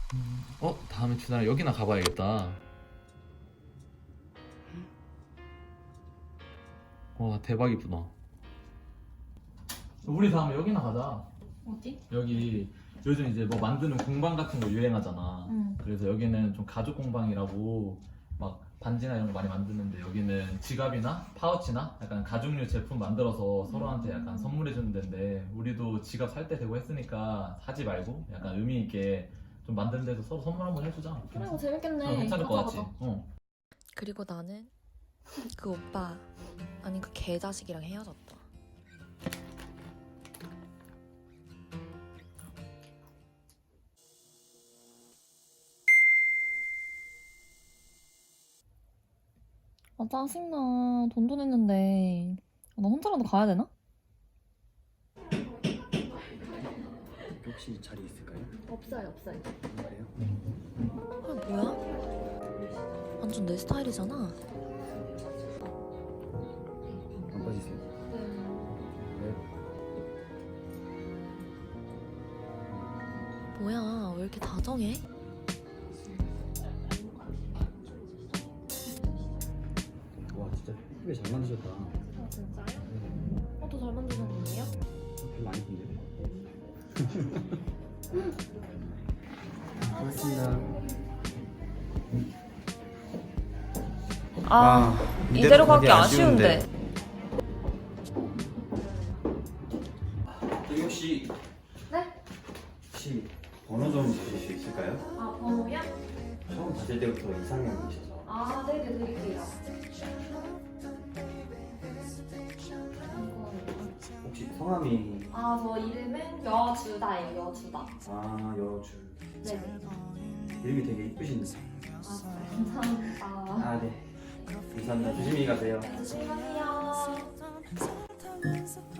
다음에 준아랑 여기나 가봐야겠다. 와, 대박 이쁘다. 우리 다음에 여기나 가자. 어디? 여기 요즘 이제 뭐 만드는 공방 같은 거 유행하잖아. 응. 그래서 여기는 좀 가죽 공방이라고 막 반지나 이런 거 많이 만드는데, 여기는 지갑이나 파우치나 약간 가죽류 제품 만들어서 서로한테 약간 선물해 주는 데인데, 우리도 지갑 살 때 되고 했으니까 사지 말고 약간 의미 있게 좀 만드는 데서 서로 선물 한번 해주자. 그래, 이거 재밌겠네. 괜찮을 것 가자, 같지? 가자. 그리고 나는 그 오빠, 아니 그 개자식이랑 헤어졌다. 아, 짜증나. 돈도 냈는데. 나 혼자라도 가야 되나? 혹시 자리 있을까요? 없어요, 없어요. 그래요? 아 뭐야? 완전 내 스타일이잖아. 안 빠지세요? 네. 뭐야, 왜 이렇게 다정해? 와 진짜 예쁘게 잘 만드셨다. 아, 진짜요? 더 잘 만드셨는데요? 별로 안 예쁜데? 고맙습니다. 아, 이대로 가기 아쉬운데. 저기 혹시 네? 혹시 번호 좀 주실 수 있을까요? 아, 번호요? 처음 봤을 때부터 이상형이셔서. 아, 네네, 드릴게요. 혹시 성함이 아, 저 이름은 여주다예요, 여주다. 여주. 네네. 이름이 되게 이쁘신데. 아, 감사합니다. 네. 감사합니다. 조심히 가세요. 조심히 가세요.